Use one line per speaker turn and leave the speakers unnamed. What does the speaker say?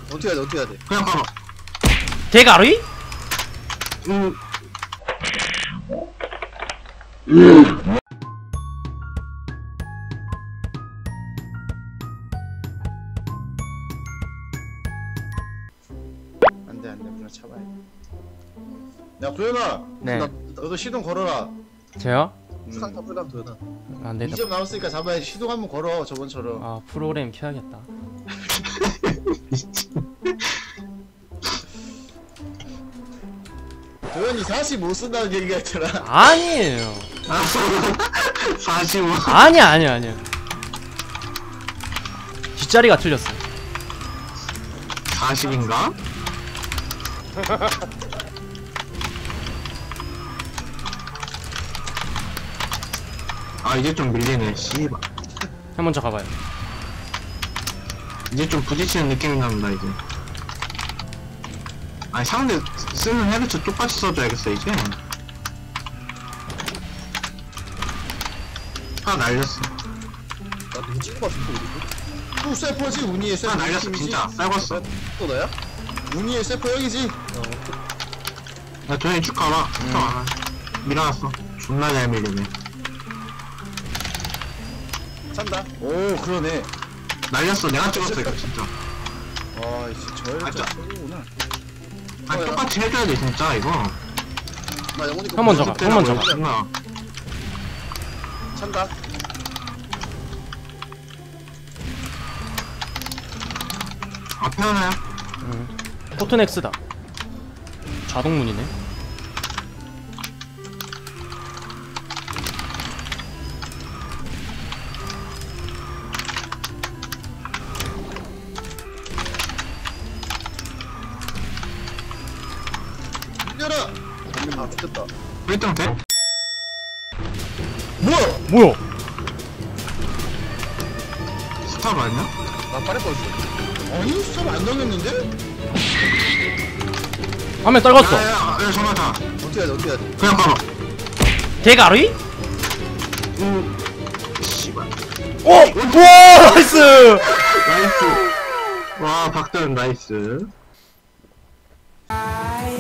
어떻게 해야 돼? 어떻게 해야 돼?
그냥 가봐.
대가리?
안돼 그냥 참아야 돼. 야 도현아.
네.
너도 시동 걸어라.
저요?
수상타 풀감 도현아.
안 된다.
2점 남았으니까 잡아야지. 시동 한번 걸어 저번처럼.
아 프로그램 켜야겠다.
도현이 40 못 쓴다는 얘기가 있잖아.
아니에요.
45.
아니야. 뒷자리가 틀렸어.
40인가? 아 이제 좀 밀리네. 씨발.
형 먼저 가봐요.
이제 좀 부딪히는 느낌이 납니다 이제. 아니 상대 쓰는 헤드set 똑같이 써줘야겠어 이제. 하나 날렸어.
나 누구 찍은 거 같은데 우리도? 또 세퍼지 운이의 세퍼.
하나 날렸어 진짜. 쌀궜어.
또 너야? 운이의 세퍼 형이지?
야 도현이 쭉 가봐. 쭉 가봐. 밀어놨어. 존나 잘 밀리네.
찬다. 오 그러네.
날렸어. 내가 찍었어 이거 진짜.
와 이제 저혈
맞아.
최고구나.
아니 똑같이 해줘야 돼 진짜 이거.
나 영훈이
형 먼저 가. 형 먼저 가.
존나.
찬다.
앞에 하나야?
포트넥스다. 자동문이네.
열어. 아 죽겠다.
1등 돼?
뭐야?
스타 맞냐?
나 빠를 뻔했어. 아니 수업 안 당했는데?
화면 떨궜어.
야야야 정말 다.
어떻게 해야 돼? 어떻게 해야 돼?
그냥 가봐.
대가리?
씨발.
오! 우와! 나이스!
나이스. 와 박도현 나이스.